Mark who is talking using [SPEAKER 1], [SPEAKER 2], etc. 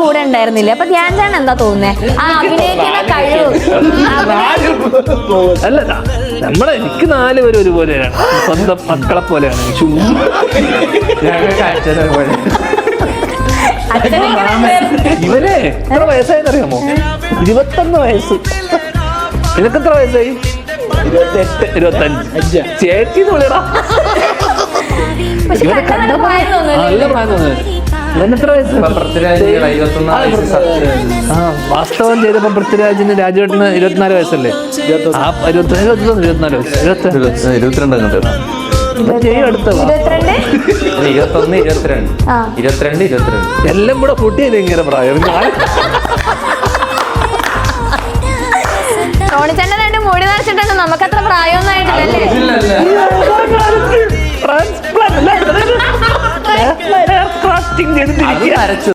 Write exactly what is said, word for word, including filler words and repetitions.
[SPEAKER 1] കൂടെ ഉണ്ടായിരുന്നില്ലേ? അപ്പൊ ധ്യാൻ ചേട്ടൻ എന്താ തോന്നുന്നത്? ആ അഭിനയിക്കുന്ന കഴിവ്
[SPEAKER 2] അല്ല, നമ്മളെ എനിക്ക് നാല് പേര് ഒരുപോലെയാണ്, സ്വന്തം മക്കളെ പോലെയാണ്. ഇവരെ എത്ര വയസ്സായെന്ന് അറിയാമോ? ഇരുപത്തൊന്ന് വയസ്സ്. നിനക്ക് എത്ര വയസ്സായി? ഇരുപത്തെട്ട് ഇരുപത്തഞ്ച്. ചേച്ചി വിളിയടാ. ഇവരെ കണ്ട നല്ല പ്രായം തോന്നുന്നത്. ഇവനെത്ര വയസ്സ്? ആ വാസ്തവം ചെയ്തപ്പോ പൃഥ്വിരാജിന് രാജുവേട്ടന് ഇരുപത്തിനാല് വയസ്സല്ലേ? ആ ഇരുപത്തി ഇരുപത്തൊന്ന് ഇരുപത്തിനാല് വയസ്സ്
[SPEAKER 3] ഇരുപത്തിരണ്ട് ഇരുപത്തൊന്ന് ഇരുപത്തിരണ്ട് ഇരുപത്തിരണ്ട് ഇരുപത്തിരണ്ട്
[SPEAKER 2] എല്ലാം കൂടെ കൂട്ടിയത് ഇങ്ങനെ പ്രായം.
[SPEAKER 1] ടോണിച്ചേട്ടൻ രണ്ട് മുടി നിറച്ചിട്ടുണ്ട്, നമുക്കത്ര പ്രായമൊന്നും ആയിട്ടില്ലല്ലേ?
[SPEAKER 2] ട്രാൻസ്പ്ലാന്റ്